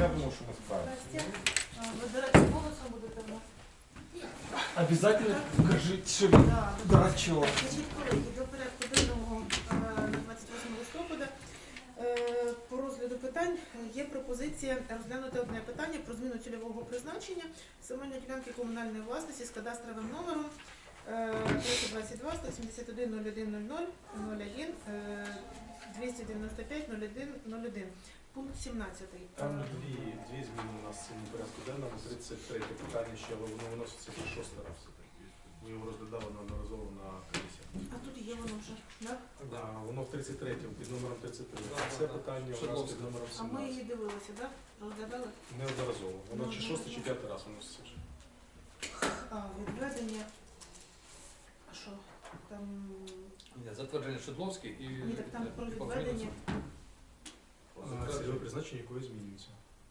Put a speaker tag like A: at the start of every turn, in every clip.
A: я думаю, що ми справимося.
B: Вибирати голосом будете в нас?
C: Обязательно кажіть, що
B: Да.
C: дурачок.
B: Значить, колеги, до порядку денного на 28 листопада по розгляду питань є пропозиція розглянути одне питання про зміну цільового призначення земельної ділянки комунальної власності з кадастровим номером 322 171 01 00 01 295 01 01. Пункт 17.
D: Там дві зміни у нас в цьому порядку денному. 33 питання ще, але воно виноситься вже 6 раз. Ми його розглядали неодноразово на комісіях.
B: А тут є воно вже, так?
D: Да, воно в 33-му, під номером 33. Це питання у нас під номером
B: А ми її
D: 17.
B: дивилися, так? Розглядали?
D: Неодноразово. Воно чи 6 чи 5 раз виноситься вже.
B: Відведення. А що? Там...
E: Затвердження Шедловський і...
B: Ні, так там про відведення.
D: Цільове призначення якої змінюється.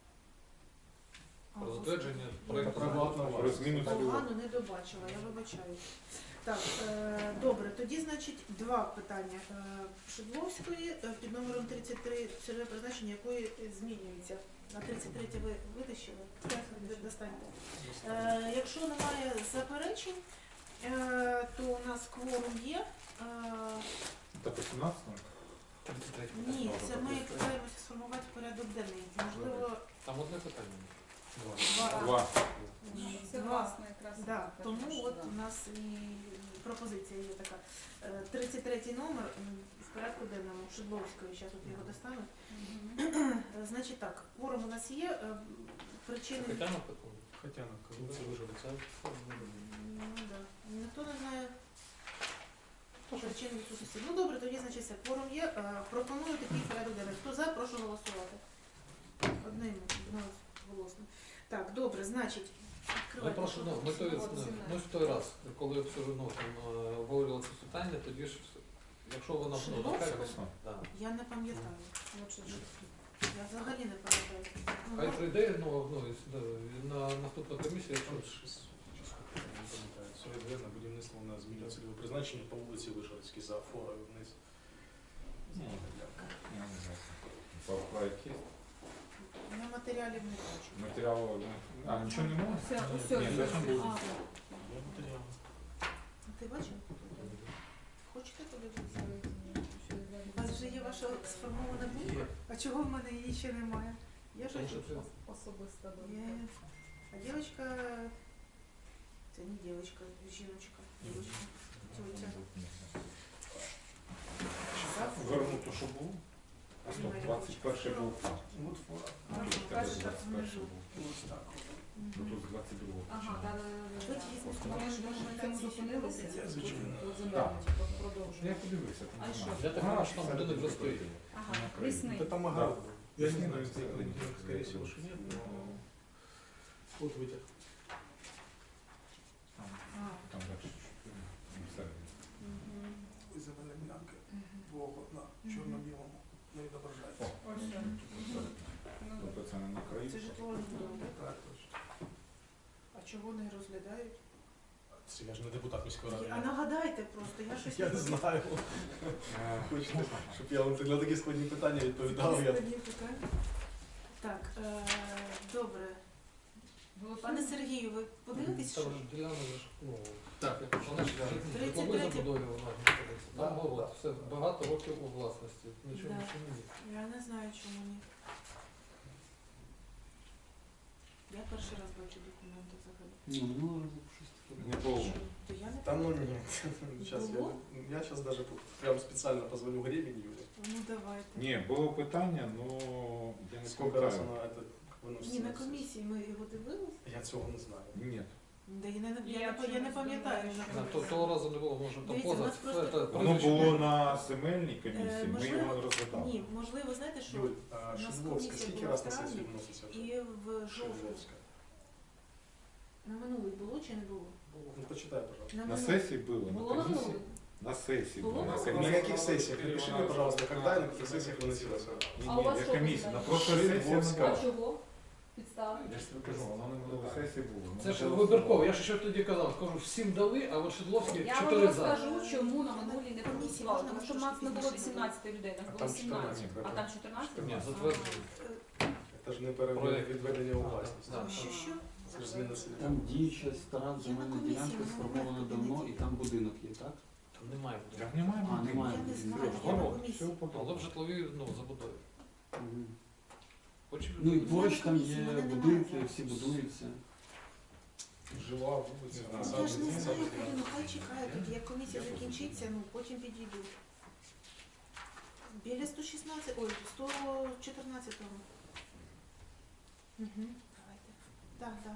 E: Про затвердження
D: Про
E: проєкту.
D: приватну
A: Про
D: власність.
A: зміну цільового.
B: Погано не добачила, я вибачаю. Так, добре, тоді, значить, два питання. Шедловської під номером 33, цільове призначення якої змінюється. На 33 ви витащили? Достаньте. Якщо немає заперечень, то у нас кворум є.
A: Та по 17-му?
B: Ні, це ми питаємося сформувати порядок денний. Можливо,
E: Там одне питання.
A: Два.
F: Це
B: два.
F: власне якраз.
B: Да, тому от у нас і пропозиція є така. 33 номер в порядку денному Шедловської, зараз от його достануть. Значить так, кворум у нас є, причини...
E: Тетяна питання.
D: Хоча на корупцію виживеться.
B: Ну, да. Ніхто не знає причин відсутності. Ну добре, тоді, значить, все, кворум є. Пропоную такий порядок денний. Хто за, прошу голосувати. Одним голосно. Так, добре, значить,
E: Ми
B: відкривайте.
E: прошу, ми в той раз, коли все одно там обговорювали це питання, тоді ж, якщо вона
B: Шедловського?
E: да.
B: Я не пам'ятаю. Я взагалі не пам'ятаю. Ну,
E: Хай
B: може,
E: прийде на наступну комісію, якщо
D: Це відведено будівництво на зміну цільового призначення по вулиці Вишгородській за форою вниз.
A: Я не знаю. По проекті.
B: я матеріалів не бачу.
A: Матеріалу. А, нічого не можна?
F: Усе
A: Ні, це там було.
D: Є матеріал.
B: Ти бачив? Хочете подивитися? У вас вже є ваша сформована думка? А чого в мене її ще немає? Я ж
E: Тому що це
F: Особиста
B: Я- А девочка, це не девочка, жіночка. Девочка. Тетя.
A: Вернуто, що було? А 121 був.
D: От фора.
B: Ага,
A: Тут
B: перша
A: 21
B: внизу.
A: був.
D: Ось так.
A: Ну, тут 22
F: Ага, так.
B: Ви візьмете,
F: Ми ж на цьому зупинилися.
D: Я, звичайно.
F: Продовжуємо.
A: Я подивився. там
F: А що?
A: немає.
E: Я так думаю, що там
A: все
E: будинок вже
A: добре.
E: стоїть.
F: Ага,
A: На
F: лісний.
D: Это там огород.
A: Да.
D: Я не знаю,
A: Лесной
D: скорее всего, что нет, но вот вытяг.
A: Там дальше чуть-чуть. Всередині.
D: Земельная ділянка. Двох на чорно-білому не відображається.
A: Тобто це не на краю.
B: Це житловий будинок.
D: Так, точно.
B: А чого не розглядають?
D: Це я ж не депутат міської ради.
B: А нагадайте просто, я щось
D: Я не знаю. Хочете, щоб я вам на такі складні питання відповідав. Я...
B: Складні питання. Так, добре. Пане Сергію, ви подивитесь, що?
E: Там ж ділянка ж, ну,
D: Так.
E: вона ж житлової
B: 33.
E: забудові вона знаходиться.
D: Да,
E: Там город,
D: да.
E: все багато років у власності. Нічого
B: Да.
E: більше ні.
B: Я не знаю, чому ні. Я перший раз бачу документи взагалі.
A: Не було.
B: То я не
D: Там ну
B: пам'ятаю.
D: нет. Сейчас
B: Було?
D: я сейчас даже прям специально позвоню Гребень Юле.
B: Ну давайте.
A: Ні, було питання, але я не
D: Сколько раз
A: пам'ятаю.
D: она это выносится?
B: Ні, на комісії ми його дивились.
D: Я цього не знаю.
A: Ні.
B: Да, я
F: Я
B: не пам'ятаю.
F: чомусь
B: вже.
F: думаю,
E: Того разу не було, може там
B: Дивіться, у
E: поза.
B: нас просто-
E: це
A: Воно
E: прізвище.
A: було на земельній комісії, ми
B: можливо,
A: його не розглядали.
B: Ні, можливо, знаєте, що
D: Юль, а
B: нас
D: Шедловська
B: комісія
D: скільки
B: була
D: раз
B: в
D: на
B: травні,
D: сесію вноситься?
B: і в жовтні.
D: Шедловська.
B: На минулий було чи не було?
D: Ну почитай, пожалуйста.
A: На
B: минулий.
A: сесії було,
F: Було
A: на
F: на
A: комісії.
F: минулий?
A: На сесії
B: Було
A: було.
B: на
A: На
B: минулий?
D: На
A: комісії.
D: каких сессиях? Напиши мне, пожалуйста, когда и на каких сессиях выносилось.
A: Ні,
F: А у
A: ні,
F: вас
A: я
F: що
A: комісія.
F: питання?
A: На прошлій сесії не
D: Шедловська.
A: було.
F: А чого? Підстави?
A: Я ж тобі кажу, воно на минулій сесії було.
E: Це ж вибірково, я ж ще тоді казав, кажу, всім дали, а от Шедловський
F: Я вам
E: 4 за.
F: розкажу, чому на минулій не проголосували. Тому що в нас не було 18 людей, нас
D: А
F: було
D: там
F: 17.
D: 14.
F: А там 14?
E: Ні, затверджено.
D: Это же не відведення у власність.
E: Да.
B: Що?
D: Це ж зміна цільового.
C: Там діюча стара земельна
B: комісії,
C: ділянка
B: вона
C: сформована
B: мене
C: давно,
B: туди
C: і
B: не
C: там будинок є, так?
E: Там немає
A: Я
E: будинку.
A: немає
C: А, немає.
B: Я не знаю,
C: Серйозно?
B: я на
A: Город,
B: комісії.
A: все
E: Але в
A: подобно.
E: житловій забудові.
C: Мгм.
E: Хочеш?
C: Ну і поруч там є
B: комісії, мене
C: будинки,
B: немає.
C: всі будуються.
D: Жила вулиця,
A: Не
B: Ну,
A: знаю.
B: я ж не знаю,
D: саме
B: коли, ну хай чекає, тоді як комісія закінчиться, ну потім підійду. Біля 116, ой, 114-го. Угу, давайте. Так, так.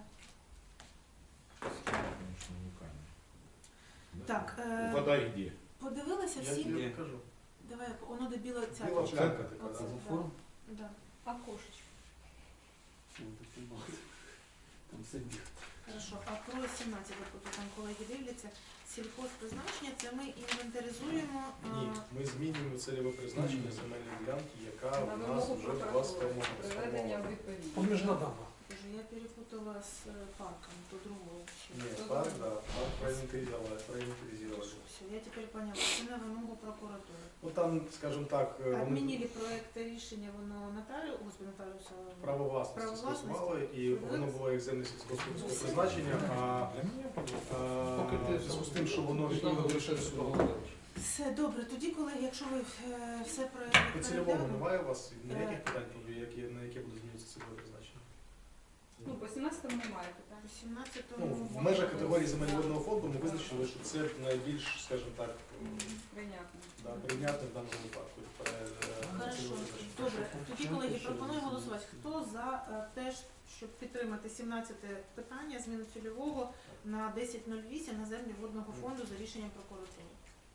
A: Конечно, уникально.
B: Так,
A: Вода где?
B: подивилися
D: Я
B: всі?
D: тобі кажу.
B: Давай, воно де біла ця.
D: Біла пленка така,
B: Оце,
D: да.
B: да.
C: Форм?
B: Да.
F: А кошечки?
C: Ну, таке багато. Там все біг.
B: Хорошо, а про 17, от там колеги дивляться, сільхозпризначення, це ми інвентаризуємо.
D: Ні, ми змінюємо цільове призначення земельної ділянки, яка
F: На
D: в нас
F: вимогу
D: вже була
F: прокуратури. Приведення в
D: сформована.
F: відповідність.
E: Поміжна дама.
B: Боже, я перепутала з парком, то другого.
D: Ні, парк, да, парк проінвентаризували.
B: Все, я тепер поняла, це на вимогу прокуратури.
D: Ну там, скажімо так, вони
B: Обмінили проєкт рішення, воно нотаріуса.
D: право власності
B: Право
D: скасували, і
B: власності.
D: воно було як земле сільськогосподарського призначення, а
A: Для меня подобно.
E: Поки
D: в
E: ти
D: зв'язку з тим, що воно
E: там
D: відповідно
E: лише
D: лише
E: Володимирович.
B: Все, добре, тоді, колеги, якщо ви все
D: по
B: проєкт
D: цільовому немає у вас ніяких питань, на яке буде змінитися цільове призначення?
F: Ну, по 17-му немає питань.
B: 18-му.
D: Ну, в межах категорії земельного фонду ми визначили, що це найбільш, скажімо так,
F: Прийнятно.
D: да, прийнятне в даному випадку.
B: Хорошо, добре. Тоді, колеги, пропоную голосувати. Хто за те, щоб підтримати 17 питання, зміну цільового на 10.08 на землі водного фонду за рішенням прокуратури?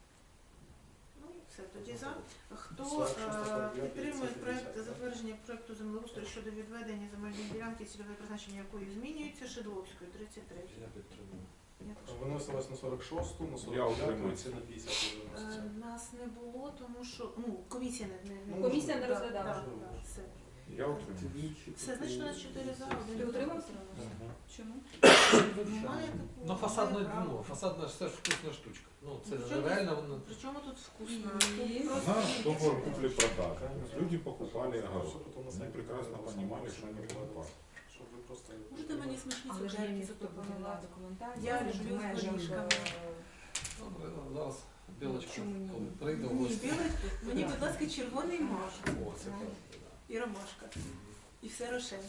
B: Ну, все, тоді за. Хто підтримує проект затвердження проекту землеустрою щодо відведення земельної ділянки, цільове призначення якої змінюється, Шедловської, 33.
E: Я підтримую.
B: Я теж.
D: Виносилось на 46-ту, на
A: Я
D: 49-ту,
A: утримуюсь.
D: це на 50-ту виноситься.
B: Нас не було, тому що комісія не
D: Ну,
F: Комісія не
B: да,
F: розглядала.
B: да, да, все.
A: Я утримуюсь.
B: Все, значить у нас 4 за,
F: Ти
B: 1
F: утримався?
A: Мгм.
F: Чому?
B: Немає такого.
E: Ну, фасадна,
B: немає права.
E: ну, фасадна ж це ж вкусна штучка. Ну, це
B: Причому-
E: реально воно.
B: Причому тут вкусно?
F: Ні.
B: Тут просто
A: Наш
B: ні,
A: договор
B: ні.
A: купли-продажи. Люди покупали
D: Все
A: огород.
D: потім на
A: Они
D: сайті
A: прекрасно
D: викладали,
A: понимали,
D: щоб
A: что они
D: ви
A: покупают.
D: Щоб ви просто...
B: Можете мені смачні
F: Але ж я
B: цукерки
F: не
B: запропонувати?
F: запропонувала документацію.
B: Я люблю з горішками.
E: Добре, зараз білочка,
F: Чому ні?
E: коли прийде в
B: Ні,
E: гості.
B: білий, мені, будь ласка, червоний мак
E: О, це правда,
B: і ромашка. І все рошен.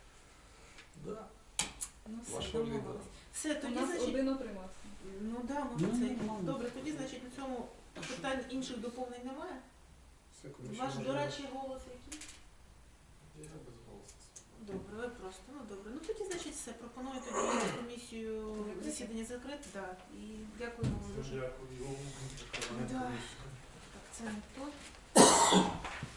E: да. Да.
B: Ну все,
E: Ваша
B: домовились.
E: улюблена.
B: Все,
F: У
B: тоді,
F: нас
B: значить,
F: один утримався.
B: ну да, ми
C: Ну,
B: це.
C: нормально.
B: Добре, тоді, значить, на цьому питань інших доповнень немає?
D: Секунду, ще
B: Ваш
D: можна-
B: дорадчий голос який?
E: Я без голосу.
B: Добре, ви просто, ну добре. Ну тоді, значить, все. Пропоную тоді комісію засідання закрити. Да. І дякуємо вам дуже.
D: Дякую.
B: Да. Так, це не то.